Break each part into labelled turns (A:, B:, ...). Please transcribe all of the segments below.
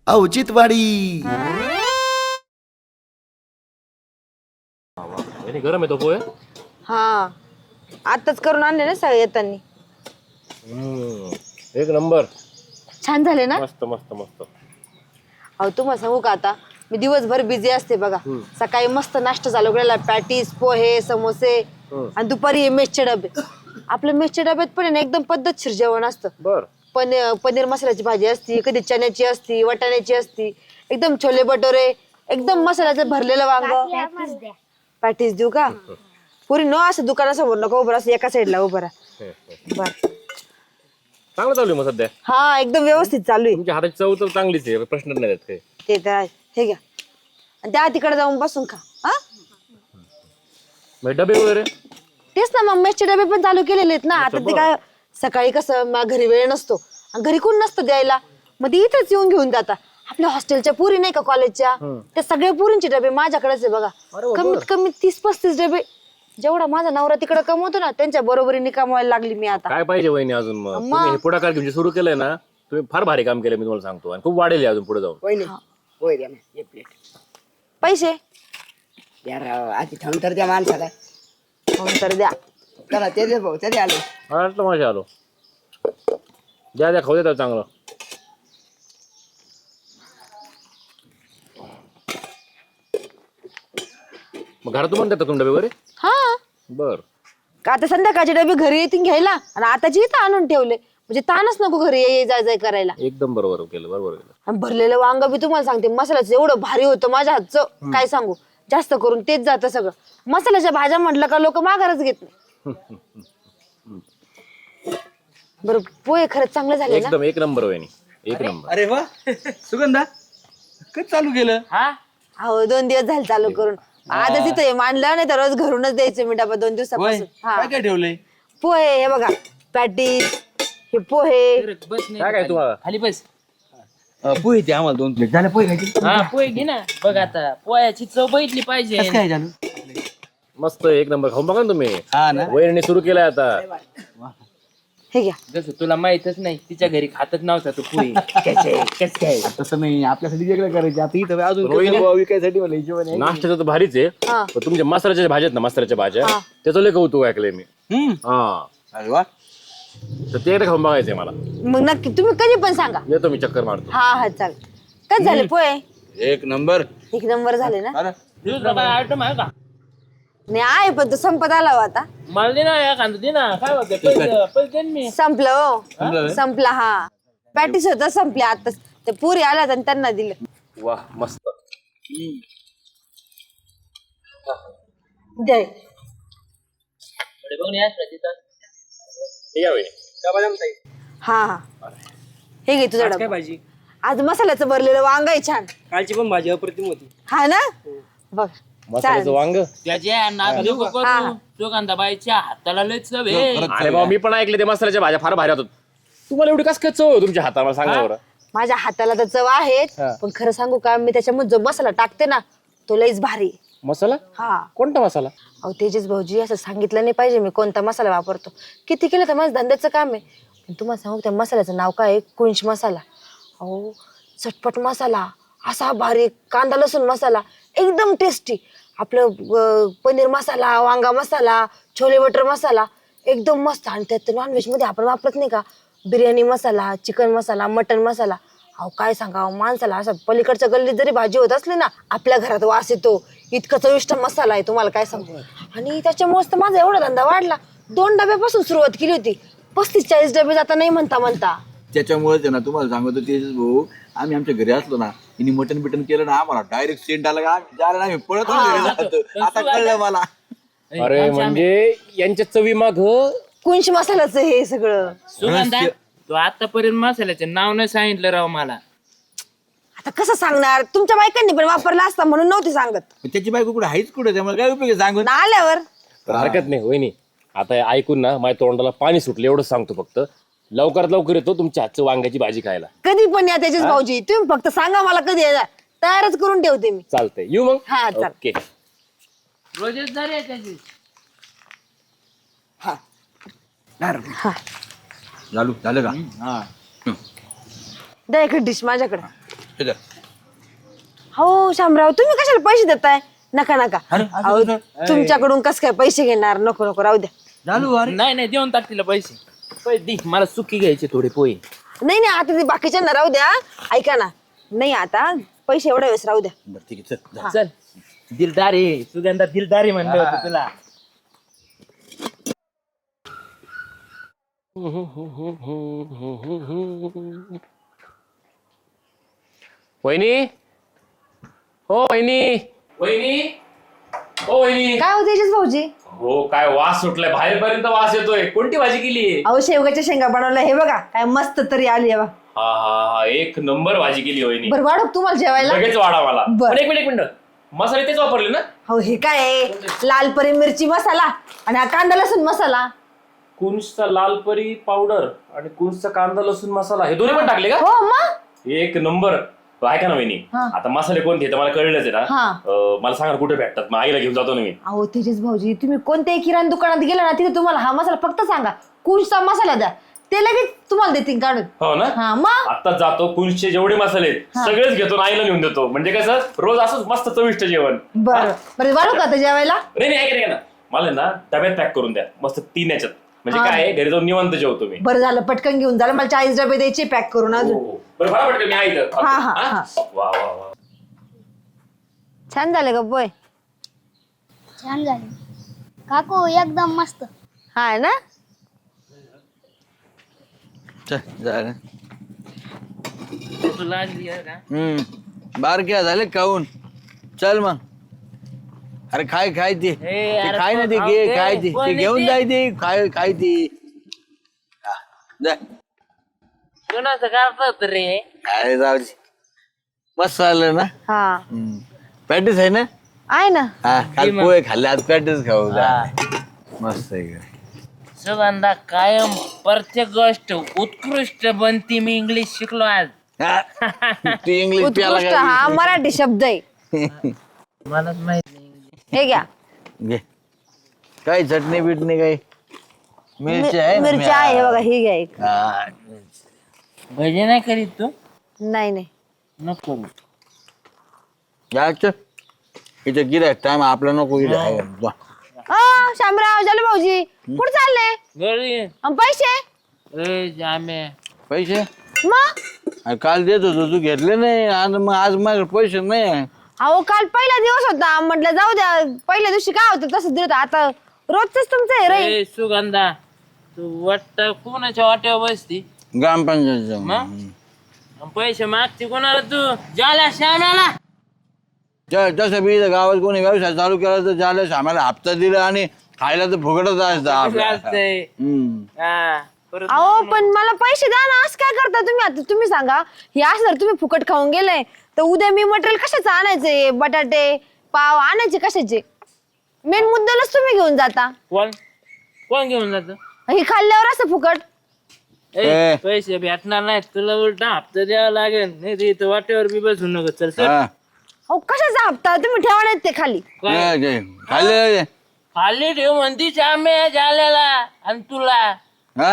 A: औचित्यवाडी.
B: गरम आहे तो पोहे.
C: हा आताच करून आणले ना सगळे येतानी.
B: एक नंबर.
C: छान झाले ना.
B: मस्त मस्त मस्त.
C: अहो तुम्हाला सांगू का आता मी दिवसभर बिझी असते बघा. सकाळी मस्त नाश्ता चालू केलेला पॅटीस पोहे समोसे आणि दुपारी मेसचे डबे. आपल्या मेसच्या डब्यात पण आहे ना एकदम पद्धतशीर जेवण असतं.
B: बर.
C: पनीर मसाल्याची भाजी असती, कधी चण्याची असती, वाटाण्याची असती, एकदम छोले भटोरे, एकदम मसाल्याचं भरलेलं वांग. पॅटीस देऊ का पुरी न असं दुकानासमोर नको उभं असं एका साईडला उभं राहा. बर
B: चांगलं चालू आहे मग सध्या.
C: हा एकदम व्यवस्थित चालू आहे.
B: तुमच्या हाताची चव तर चांगलीच आहे, प्रश्न नाही आहेत काही.
C: ते तर आहे. हे घ्या आणि त्या तिकडे जाऊन बसून खा. हा
B: मग डबे वगैरे
C: तेच ना मग मेसचे डबे पण चालू केलेले आहेत ना. आता ते काय सकाळी कसं घरी वेळ नसतो आणि घरी कोण नसतं द्यायला, मग ते इथंच येऊन घेऊन जातात. आपल्या हॉस्टेलच्या पुरी नाही का कॉलेजच्या, त्या सगळ्या पुरींचे डबे माझ्याकडेच आहे बघा. कमीत कमी 30-35 डबे. जेवढा माझा नवरा तिकडे कमवतो ना त्यांच्या बरोबरीने कमवायला लागली मी आता.
B: काय पाहिजे वहिनी अजून. मग तुम्ही हे पुढाकार घेऊन सुरू केलंय ना, तुम्ही फार भारी काम केलं मी तुम्हाला सांगतो, आणि खूप वाढेल अजून पुढे जाऊन.
D: होय द्या ना एक प्लेट.
C: पैसे
D: यार आधी थांब तर द्या माणसाला.
C: तर द्या.
D: चला ते दे भाऊ ते आलो.
B: वाटलं माझ्या आलो. द्या द्या खाऊ देतात चांगलं. मग घरातून पण देतात तुम्ही डबे वगैरे.
C: हा
B: बर.
C: का आता संध्याकाळचे डबे घरी येतील घ्यायला आणि आताची इथं आणून ठेवले म्हणजे ताणच नको घरी ये जाय जाय करायला.
B: एकदम बरोबर केलं, बरोबर केलं.
C: आणि भरलेलं वांग बी तुम्हाला सांगते मसाल्याचं एवढं भारी होतं माझ्या हातचं काय सांगू. जास्त करून तेच जातं सगळं. मसाल्याच्या भाज्या म्हटलं का लोक माघारच घेत नाही. बरं पोहे खरंच चांगले झाले ना.
B: एकदम एक नंबर वहिनी, एक नंबर.
E: अरे वा सुगंधा कधी चालू केलं.
C: हो 2 दिवस झाले चालू करून. आजच इथं मांडलं नाही तर रोज घरूनच द्यायचं मी डबा 2 दिवसापासून.
E: काय काय ठेवलंय.
C: पोहे हे बघा पॅटीस हे पोहे.
B: काय काय तुम्हाला
F: खाली बस.
E: पोहे ते आम्हाला 2 प्लेट झाले. पोहे खायचे.
F: हा पोहे घे ना. बघ आता पोह्याची चव बघितली पाहिजे.
E: कसं काय झालं.
B: मस्त एक नंबर. खाऊन बघा ना तुम्ही.
E: हा ना.
B: वहिनी सुरू केलाय आता.
C: हे घ्या.
F: जसं तुला माहितच नाही तिच्या घरी खातच नव्हता तू पोहे. कस काय
E: तसं नाही आपल्यासाठी वेगळं करायचं. आता इथं अजून
B: रोहिणी.
E: विकायसाठी मला हिशोबाने.
B: नाश्त्याचं तर भारीच आहे,
C: हा.
B: पण तुमच्या मसाल्याच्या भाज्या आहेत ना, मसाल्याच्या भाज्या त्याचं लय कौतुक ऐकलंय मी. हा
E: अरे वा.
B: तर ते एकदा खाऊन बघायचंय मला.
C: मग नक्की तुम्ही कधी पण सांगा.
B: येतो मी, चक्कर मारतो.
C: हा हा चाल. कच झाले पोहे.
E: एक नंबर.
C: एक नंबर झाले ना.
E: अरे
F: तुझं काय आयटम आहे का.
C: नाही आहे पण तो संपत आला हो आता.
F: मला दे ना एखादं दे ना. काय होतं पैसे दे ना मी.
C: संपलं हो. संपला हा. पॅटीस होता संपल्या आता. ते पुरी आल्यात आणि त्यांना दिलं.
B: वा मस्त.
C: द्या.
F: थोडे बघ ना यार तिथं.
B: हे घ्या वहिनी.
C: हा हा हे घे तुझा
G: काय
C: डबा.
G: भाजी.
C: आज मसाल्याचं भरलेलं वांग आहे छान.
G: कालची पण भाजी अप्रतिम होती.
C: हा ना बघ.
B: मसाल्याचं वांग.
F: त्याच्या नाक नको करू. सुगंधाबाईच्या हाताला लय चव आहे.
B: अरे बाबा मी पण ऐकले ते मसाल्याच्या भाज्या फार भारी होतात. तुम्हाला एवढी कस काय चव आहे तुमच्या हाताला, सांगा बरं.
C: माझ्या हाताला तर चव आहेत पण खरं सांगू का मी त्याच्यामध्ये जो मसाला टाकते ना तो लईच भारी.
B: मसाला
C: हा
B: कोणता मसाला.
C: अहो तेजस भाऊजी असं सांगितलं नाही पाहिजे मी कोणता मसाला वापरतो. किती केलं तर माझं धंद्याचं काम आहे. पण तुम्हाला सांगू त्या मसाल्याचं नाव काय आहे. कुंच मसाला. अहो चटपट मसाला असा भारी. कांदा लसूण मसाला एकदम टेस्टी. आपलं पनीर मसाला वांगा मसाला छोले बटर मसाला एकदम मस्त. आणि त्यात नॉनव्हेज मध्ये आपण वापरत नाही का बिर्याणी मसाला चिकन मसाला मटन मसाला. अहो काय सांगा माणसाला असं पलीकडच्या गल्लीत जरी भाजी होत असली ना आपल्या घरात वास येतो. इतका चविष्ट मसाला आहे तुम्हाला काय सांगू. आणि त्याच्यामुळेच तर माझा एवढा धंदा वाढला. 2 डब्यापासून सुरुवात केली होती. 35-40 डबे जाता नाही म्हणता.
E: त्याच्यामुळेच आहे ना तुम्हाला सांगतो तेजस भाऊ. आम्ही आमच्या घरी असलो ना हिने मटन बिटन केलं ना आम्हाला डायरेक्ट सेंट आला का जायला आम्ही पळत आता कळलं मला.
B: अरे म्हणजे यांच्या चवी माग
C: कुंच मसाल्याचं हे सगळं.
F: सुगंधा तू आतापर्यंत मसाल्याचे नाव नाही सांगितलं राव मला.
C: आता कसं सांगणार तुमच्या बायकांनी पण वापरला असता म्हणून नव्हती सांगत.
E: त्याची बायको कुठे आहेच कुठे त्यामुळे काय उपयोग आहे सांगून.
C: ना आल्यावर
B: हरकत नाही वहिनी. आता हे ऐकून ना माझ्या तोंडाला पाणी सुटलं, एवढं सांगतो फक्त. लवकरात लवकर येतो तुमच्या हातचं वांग्याची भाजी खायला.
C: कधी पण या त्याच्याच भाऊजी तुम्ही फक्त सांगा मला कधी येणार तयारच करून ठेवते मी.
B: चालतंय येऊ मग.
C: हा चाल.
B: ओके.
F: रोजच जरी त्याची.
E: झालं का.
C: द्या एक डिश माझ्याकडे.
E: हे
C: हो शामराव, तुम्ही कशाला पैसे देताय? नका नका. अहो, तुमच्याकडून कस काय पैसे घेणार? नको नको, राहू द्या.
F: नाही नाही देऊन टाक तिला पैसे. पैसे दे, मला सुकी घ्यायचे थोडे पोहे.
C: नाही नाही, आता ते बाकीच्यांना राहू द्या. ऐका ना, नाही आता पैसे एवढ्या वेळेस राहू द्या.
E: बरं ठीक आहे चल
F: चल, दिलदारी सुगंधा, दिलदारी म्हणलं होतं तुला.
B: वहिनी, हो वहिनी, वहिनी, हो वहिनी.
C: काय होते तेजस भाऊजी?
B: हो, काय वास सुटलाय, बाहेरपर्यंत वास येतोय. कोणती भाजी केली?
C: अहो, शेवगाच्या शेंगा बनवल्या. हे बघा काय मस्त तरी आली आहे बा.
B: हा हा हा, एक नंबर भाजी केली वहिनी.
C: बरं, वाढव तुम्हाला जेवायला.
B: लगेच वाढा मला.
C: बरं.
B: पण एक मिनिट मसाले तेच वापरले ना?
C: हो, हे काय आहे? लाल परी मिरची मसाला आणि हा कांदा लसूण मसाला.
B: कुंचचा लाल परी पावडर आणि कुंचचा कांदा लसूण मसाला हे दोन्ही पण टाकले का?
C: हो मग.
B: एक नंबर. ऐका ना वहिनी, आता मसाले कोणते तर मला कळलंच आहे ना. मला सांगा कुठे भेटतात, मग आईला घेऊन जातो ना मी.
C: अहो तेजस भाऊजी, तुम्ही कोणत्याही किराणा दुकानात गेला ना, तिथे तुम्हाला हा मसाला फक्त सांगा कुंचचा मसाला द्या, ते लगेच तुम्हाला देतील काढून.
B: हो ना?
C: हा मग.
B: आता जातो, कुंचचे जेवढे मसाले आहेत सगळेच घेतो आणि आईला नेऊन देतो. म्हणजे कसं रोज असंच मस्त चविष्ट जेवण.
C: बरं बरं, वाढू का आता जेवायला?
B: नाही ऐका ना, मला ना डब्यात पॅक करून द्या मस्त 3 याच्यात. म्हणजे काय आहे, घरी जाऊन निवांत जेवतो मी.
C: बरं झालं, पटकन घेऊन झालं. मला 40 डबे द्यायचे पॅक करून अजून.
B: हो. बरं बरं पटकन मी आहे इथं.
C: हा, हा,
B: हा?
C: हा.
B: वा वा वा.
C: छान झालं का बोय?
A: छान झाले काकू, एकदम मस्त.
C: हा ना.
E: चल झालं.
F: भूक लागली आहे का?
E: बारक्या झाले खाऊन. चल मग. अरे खाय खाय ते
F: अरे
E: खाय ना, ते
F: खाऊ
E: घे
F: दे.
E: खाय ते
F: कोणी
E: घेऊन
F: ते?
E: जाय ते खाय खाय ते. हा, जा.
F: कोणाचं करतात रे?
E: अरे जाऊ दे. मस्त आलं ना.
C: हा
E: पॅटीस आहे ना?
C: आहे ना.
E: हा, काल पोहे खाल्ले, आज पॅटीस खाऊ. मस्त आहे का?
F: सुगंधा कायम प्रत्येक गोष्ट उत्कृष्ट बनती. मी इंग्लिश शिकलो आज.
E: हा. तू इंग्लिश प्याला
C: उत्कृष्ट हा मराठी शब्द आहे.
F: मलाच माहित नाही.
C: हे घ्या.
E: घे. काय चटणी बिटणी काय? मिरची आहे ना?
C: मिरची आहे बघा, ही घ्या एक.
E: हा.
F: भजे नाही करीत तू?
C: नाही नाही.
F: नको.
E: जायचं इथं गिरायक टाइम आपला नको गिरायक.
C: शामराव, झालं भाऊजी कुठे चालले?
F: घरी.
C: पैसे?
F: ए जामे,
E: पैसे
C: मग
E: अरे काल देत होतो, तू घेतले नाही. आज माझ्याकडे पैसे नाही.
C: अहो, काल पहिला दिवस होता, म्हटलं जाऊ द्या. पहिल्या दिवशी काय होतं तसं दिलं. आता रोजच तुमचं हे रे.
F: ए सुगंधा, तू वाटत कोणाच्या वाट्यावर बसती?
E: ग्रामपंचायत
F: मग पैसे मागते कोणाला तू? ज्याला श्यामाला.
E: तसं बी इथं गावात कोणी व्यवसाय चालू केला तर झालं, आम्हाला हप्ता दिला आणि खायला तर फुकटच असतं आपल्याला.
F: चालतंय. हा, परत
C: अहो, पण मला पैसे द्या ना. असं काय करता तुम्ही? आता तुम्ही सांगा, हे असं जर तुम्ही फुकट खाऊन गेले तर उद्या मी मटेरियल कशाचं आणायचे? बटाटे पाव आणायचे कशाचे? मेन मुद्द्यालाच तुम्ही घेऊन जाता.
F: कोण घेऊन जात?
C: हे खाल्ल्यावर असं फुकट.
E: ए.
F: पैसे भेटणार नाही तुला, उलटा हप्ता द्यावा लागेल. नाही तर इथं वाटेवर बी बसू नको. चल चल.
E: हा.
C: अहो, कशाचा हप्ता? तुम्ही ठेवा नाही ते खाली.
E: खाल्ले
F: खाली ठेव म्हणती श्याम्या झालेला आणि तुला.
E: हा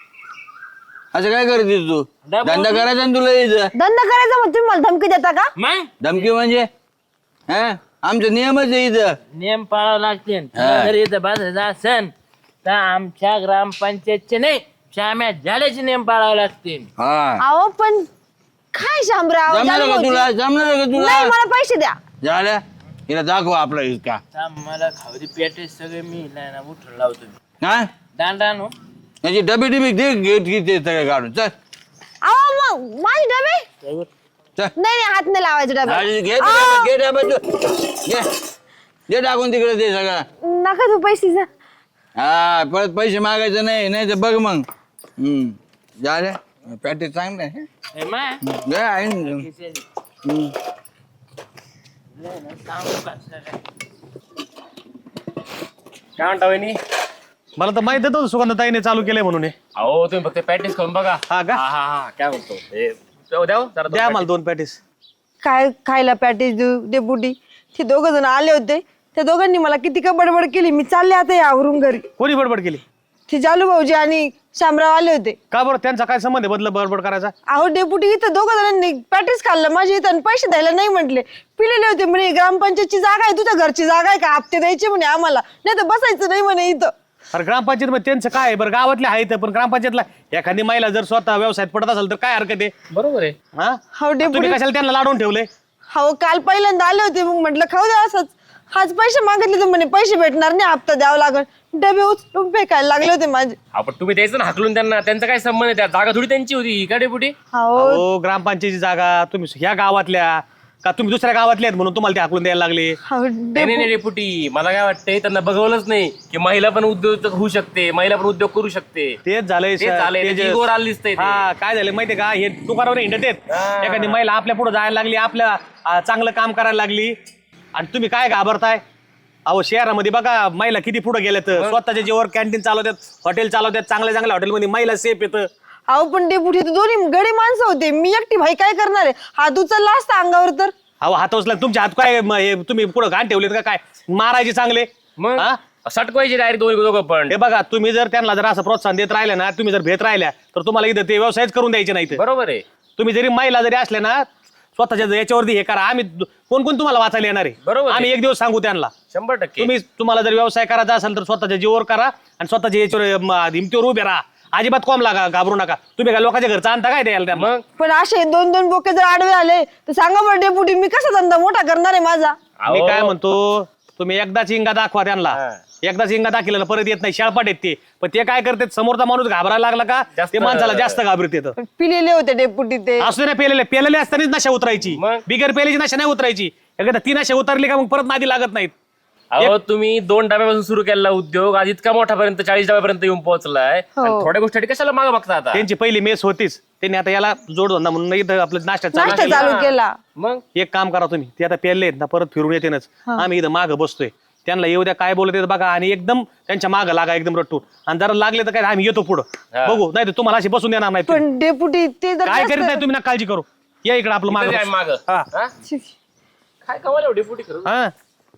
E: असं काय करते तू? धंदा करायचा ना तुला इथं.
C: धंदा करायचा मग तुम्ही मला धमकी देता का?
F: मग
E: धमकी म्हणजे हा आमचा नियमच आहे इथं.
F: नियम पाळावं लागते. जर इथं बसायचं असन तर आमच्या ग्रामपंचायतचे नाही, श्याम्या झाल्याचे नियम पाळावे लागते.
E: हा
C: अहो, पण काय शामराव?
E: जमणार का तुला? जमणार का तुला?
C: नाही, मला पैसे द्या.
E: झाल्या हिला दाखव आपला इतका.
F: मला खावरी पेटे सगळे मी नाही ना उठून लावतो.
E: हा
F: दांडा नो
E: याची डबी डिबी दे, घेते सगळे काढून. चल
C: अहो, मग माझे डबे?
E: चल
C: नाही हात नाही लावायचे डबे.
E: घे ते डबा, घे डबा तू. घे दे टाकून तिकडे ते सगळं.
C: नका तू पैसे जा.
E: हा परत पैसे मागायचे नाही, नाही तर बघ मग. झाल्या पॅटी चांगलं आहे. घे आहे ना.
B: काय म्हणता वहिनी?
G: मला तर माहित होतं सुगंधताईने चालू केलंय म्हणून हे.
B: अहो, तुम्ही फक्त प्रॅक्टिस करून बघा.
G: हा का?
B: हा हा हा, काय म्हणतो हे, द्या हो, जरा
G: द्या मला 2 पॅटीस.
C: काय खायला पॅटेज देऊ दे बुडी. ते दोघं जण आले होते, त्या दोघांनी मला किती का बडबड केली. मी चालले आता यावरून घरी.
G: कोणी बडबड केली?
C: ते जालू भाऊजी आणि शामराव आले होते.
G: का बरं त्यांचा काय संबंध आहे बदल बडबड करायचा?
C: अहो डेपुटी इथं दोघं जणांनी पॅटीस खाल्लं माझ्या इथं आणि पैसे द्यायला नाही म्हटले. पिलेले होते म्हणे ग्रामपंचायतची जागा आहे, तुझ्या घरची जागा आहे का, हप्ते द्यायचे म्हणे आम्हाला, नाही तर बसायचं नाही म्हणे इथं.
G: अरे ग्रामपंचायत मध्ये त्यांचं काय आहे? बरं गावातले आहेत पण ग्रामपंचायतला एखादी महिला जर स्वतः व्यवसायात पडत असेल तर काय हरकत आहे?
B: बरोबर आहे.
G: हा
C: हो डेपुटी.
G: तुम्ही कशाला त्यांना लाडून ठेवले?
C: हो काल पहिल्यांदा आले होते, मग म्हटलं खाऊ द्या असंच. आज पैसे मागितले तर म्हणे पैसे भेटणार नाही, हप्ता द्यावा लागल. डबे उचलून फेकायला लागले होते माझे.
B: आपण तुम्ही द्यायचं ना हाकलून त्यांना, त्यांचा काय संबंध आहे? त्या जागा थोडी त्यांची होती का डेपुटी?
C: हो
G: हो ग्रामपंचायतीची जागा तुम्ही ह्या गावातल्या का तुम्ही दुसऱ्या गावातले आहेत म्हणून तुम्हाला ते हाकलून द्यायला लागले?
C: हो
B: नाही नाही डेपुटी, मला काय वाटतंय त्यांना बघवलंच नाही की महिला पण उद्योजक होऊ शकते, महिला पण उद्योग करू शकते.
G: तेच झालंय
B: तेच झालंय,
G: ते
B: त्याची
G: जे-
B: इगोवर आली दिसतंय ते.
G: हा काय झालं माहितीये का, हे दुकानावर हिंडत आहेत. एखादी महिला आपल्या पुढे जायला लागली, आपल्या चांगलं काम करायला लागली आणि तुम्ही काय घाबरताय? अहो शहरामध्ये बघा महिला किती पुढे गेल्यात, स्वतःच्या जीवावर कॅन्टीन चालवतात, हॉटेल चालवतात, चांगल्या चांगल्या हॉटेलमध्ये महिला सेफ येतं.
C: अहो पण डेपुटी तर दोन्ही गडी माणसं होते, मी एकटी भाई काय करणार आहे? हात उचलला असता अंगावर तर.
G: अहो हात उचला, तुमच्या हात काय हे तुम्ही पुढे घाण ठेवलेत का काय? मारायचे चांगले?
B: मग
G: हा?
B: सटकवायचे डायरेक्ट दोघं पण.
G: हे बघा तुम्ही जर त्यांना जर असं प्रोत्साहन देत राहिले ना, तुम्ही जर भेट राहिल्या तर तुम्हाला इथं ते व्यवसायच करून द्यायचे नाही.
B: बरोबर आहे.
G: तुम्ही जरी महिला जरी असल्या ना, स्वतःच्या याच्यावरती हे करा. आम्ही कोण कोण तुम्हाला वाचायला येणार आहे?
B: बरोबर आहे.
G: आम्ही एक दिवस सांगू त्यांना.
B: 100%.
G: तुम्हाला जर व्यवसाय करायचा असेल तर स्वतःच्या जीवावर करा आणि स्वतःच्या याच्यावर हिमतीवर उभे राहा. अजिबात कॉम लागा, घाबरू नका. तुम्ही काय लोकांच्या घरचा आणता काय द्यायला त्यांना?
B: मग
C: पण असे दोन दोन बोके जर आडवे आले तर सांगा बरं डेपुटी, मी कसा धंदा मोठा करणार आहे माझा?
G: मी काय म्हणतो, तुम्ही एकदाच इंगा दाखवा त्यांना. एकदाच इंगा दाखवलेला परत येत नाही, शाळपाट येत ते. पण ते काय करतात, समोरचा माणूस घाबरायला लागला का
B: जास्त-
G: ते माणसाला जास्त घाबरत येतं.
C: पण पिलेले होते डेपुटी ते.
G: असू नाही पेलेले असतानाच नशा उतरायची,
B: मग?
G: बिगर पेलेची नशा नाही उतरायची. एकदा ती नशा उतरली का मग परत नादी लागत नाहीत.
B: अहो तुम्ही 2 डब्यापासून सुरू केलेला उद्योग आज इतका मोठापर्यंत 40 डब्यापर्यंत येऊन पोहोचलाय.
C: हो.
B: आणि थोड्या गोष्टी कशाला मागे बघता आता?
G: त्यांची पहिली मेस होतीच, त्यांनी आता याला जोडधंदा म्हणून इथं आपलं नाश्ता चालू
C: नाश्ता
G: केला.
C: चालू केला.
B: मग
G: एक काम करा तुम्ही, ते आता पेरले आहेत ना, परत फिरून येतेनच. आम्ही इथं मागं बसतोय, त्यांना येऊ द्या काय बोलत बघा आणि एकदम त्यांच्या मागं लागा एकदम रट्टून. आणि जरा लागले तर काय आम्ही येतो पुढं बघू, नाही तर तुम्हाला अशी बसून देणार नाही.
C: पण डेपुटी ते जर
G: काय
C: जास्त-
G: करीत नाही तुम्ही, ना काळजी करू. या इकडे आपलं मागं बसू.
B: माग
G: हा.
B: काय कमाल एवढी फुटी करू.
G: हा.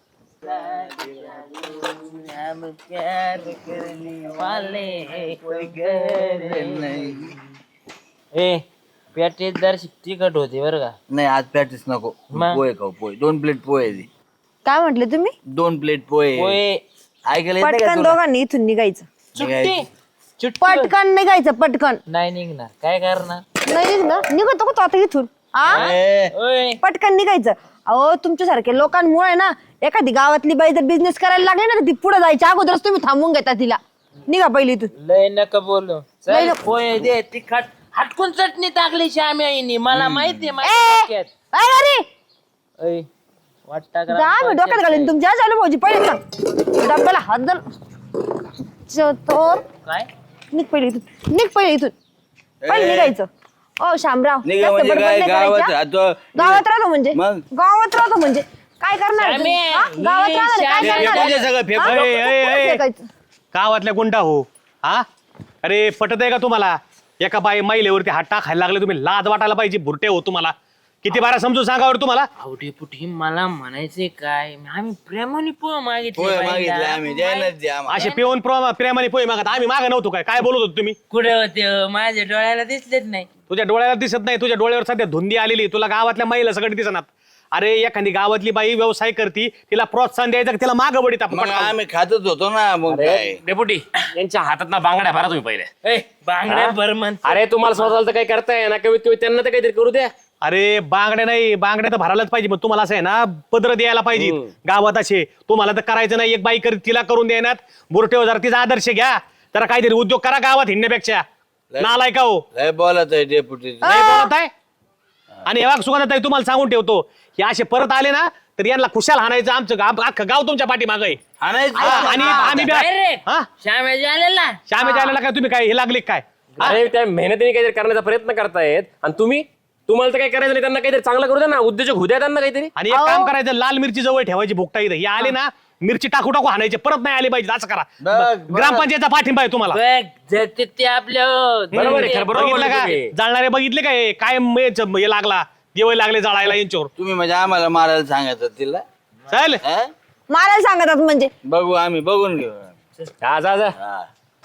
F: ए पॅटेज जर तिखट होते बरं का.
H: नाही आज पॅटीस नको,
F: मग?
H: पोहे खाऊ. पोहे 2 प्लेट पोहे दे.
C: काय म्हटले तुम्ही?
H: 2 प्लेट पोहे.
F: होय
H: ऐकायला येत नाही का
C: पटकन
H: तुला?
C: दोघांनी इथून निघायचं.
F: चुट्टी चुट्टी
C: पटकन निघायचं पटकन.
F: नाही निघणार काय करणार.
C: नाही निघणार, निघतो का तो आता इथून? आ?
H: ए,
F: ओय
C: पटकन निघायचं. अहो तुमच्यासारखे लोकांमुळे ना एखादी गावातली बाई जर बिझनेस करायला लागली ना, तर ती पुढे जायच्या अगोदरच तुम्ही थांबून घेता तिला. निघा पहिली इथून.
F: लय नका बोलू.
C: लय
F: चल
C: नको.
F: पोहे दे तिखट. हटकून चटणी टाकली श्यामी आईनी, मला माहितीये
C: ए,
F: माझ्या डोक्यात.
C: अरे
F: ओय वाटता
C: जा मी डोक्यात घालीन तुमच्या. चालू भाऊजी पहिले सांग डब्याला हात धर. तर
F: काय
C: निघ पहिले इथून, निघ पहिले इथून. पहिले निघायचं. ओ शामराव
H: निघा
C: जास्त
H: म्हणजे
C: बडबड
H: काय,
C: नाही
H: गावात
C: करायची, हा?
H: राहतो.
C: गावात राहतो म्हणजे
H: मग?
C: गावात राहतो म्हणजे काय करणार तुम्ही?
F: श्यामे,
C: हा? गावात
F: ही
C: राहणार काय
F: श्यामे,
C: करणार?
H: फेकून दे सगळं, फेकून.
C: हा?
G: ए, ए, ए, ए.
C: फेकायचं.
G: गावातल्या गुंडा हो. हा अरे पटत आहे का तुम्हाला? एका बाई महिलेवरती हात टाकायला लागले, तुम्ही लाज वाटायला पाहिजे. भुरटे हो तुम्हाला. किती बारा समजून सांगावर तुम्हाला.
F: आवडे पुठी मला म्हणायचे काय, आम्ही प्रेमाने पोहे मागितले
H: पोहे
F: बाईला.
H: मागितले आम्ही, द्यायलाच द्या आम्हाला.
G: असे पिऊन प्रेमाने पोहे मागत आम्ही मागे नव्हतो काय? काय बोलत होतो तुम्ही?
F: कुठे होते हो? माझ्या डोळ्याला दिसलेच नाही.
G: तुझ्या डोळ्याला दिसत नाही, तुझ्या डोळ्यावर सध्या धुंदी आलेली. तुला गावातल्या महिला सगळं दिसणार. अरे एखादी गावातली बाई व्यवसाय करती, तिला प्रोत्साहन द्यायचं, तिला मागं बडीत आपण
H: मग
G: पटकावून.
H: आम्ही खातच होतो ना, मग काय.
B: डेपुटी यांच्या हातात ना बांगड्या भरा तुम्ही पहिले.
F: ए बांगड्या भर म्हण.
B: अरे तुम्हाला स्वतःला तर काही करताय ना, कमीत कमी त्यांना तर काहीतरी करू द्या.
G: अरे बांगड्या नाही, बांगड्या तर भरायलाच पाहिजे. पण तुम्हाला असं आहे ना, पदर द्यायला पाहिजे गावात असे. तुम्हाला तर करायचं नाही, एक बाई तिला करून देण्यात. बुरटे जरा तिचा आदर्श घ्या. जरा काहीतरी उद्योग करा गावात हिंडण्यापेक्षा. नालाय का हो?
H: लय बोलत आहे डेपुटी.
G: नाही बोलत आहे. आणि हे सुगंधाताई तुम्हाला सांगून ठेवतो, हे असे परत आले ना तर यांना खुशाल हाणायचं. आमचं अख्खं गाव तुमच्या पाठीमागं आहे. आणि आम्ही
F: Direct.
G: हा
F: श्यामेजी आलेला.
G: श्यामेच्या आलेला काय तुम्ही काय हे लागले काय?
B: अरे त्या मेहनतीने काहीतरी करण्याचा प्रयत्न करतायत आणि तुम्हाला तर काही करायचं नाही. त्यांना काहीतरी चांगलं करू द्या ना, उद्योजक होऊ द्या त्यांना काहीतरी.
G: आणि एक काम करायचं, लाल मिरची जवळ ठेवायची भुकटा इथं. हे आले ना मिरची टाकू टाकू हाणायचे, परत नाही आले पाहिजे. असं करा. ग्रामपंचायतचा पाठिंबा आहे तुम्हाला.
F: बघ जर ते आपल्या
B: बरोबर आहे, खरं बरोबर
G: बघितलं
B: बोलले
G: का?
B: तुम्ही.
G: जाळणारे बघितले काय? काय हे लागला, दिवे लागले जाळायला यांच्यावर.
H: तुम्ही म्हणजे आम्हाला मारायला सांगायचं तिला.
G: चल
H: हा?
C: मारायला सांगतात म्हणजे
H: बघू आम्ही, बघून घेऊ.
B: जा जा जा.
H: हा.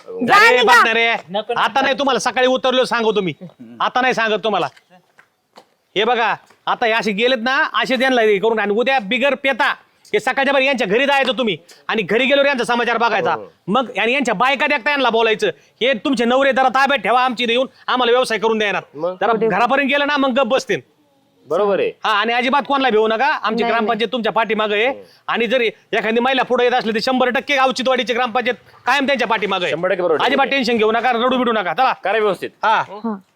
C: जा
G: अरे
C: निघा.
G: बघणार रे. आता नाही तुम्हाला सकाळी उतरलो सांगतो मी आता नाही सांगत तुम्हाला हे बघा आता हे असे गेलेत ना असे त्यांना हे करून आणि उद्या बिगर पेता हे सकाळच्या बरं यांच्या घरी जायचं तुम्ही आणि घरी गेल्यावर यांचा समाचार बघायचा मग आणि यांच्या बायका देखता यांना बोलायचं हे तुमचे नवरे जरा ताब्यात ठेवा आमची इथे येऊन आम्हाला व्यवसाय करून देणार
B: मग?
G: जरा घरापर्यंत गेलं ना मग गप बसतील
B: बरोबर आहे.
G: हा आणि अजिबात कोणाला भेऊ नका आमची ग्रामपंचायत तुमच्या पाठीमागे आहे आणि जरी एखादी महिला पुढे येत असली तर 100% गावचीतवाडीची ग्रामपंचायत कायम त्यांच्या पाठीमागे आहे.
B: 100% बरोबर.
G: अजिबात टेन्शन घेऊ नका रडू बिडू नका चला
B: करा व्यवस्थित.
G: हा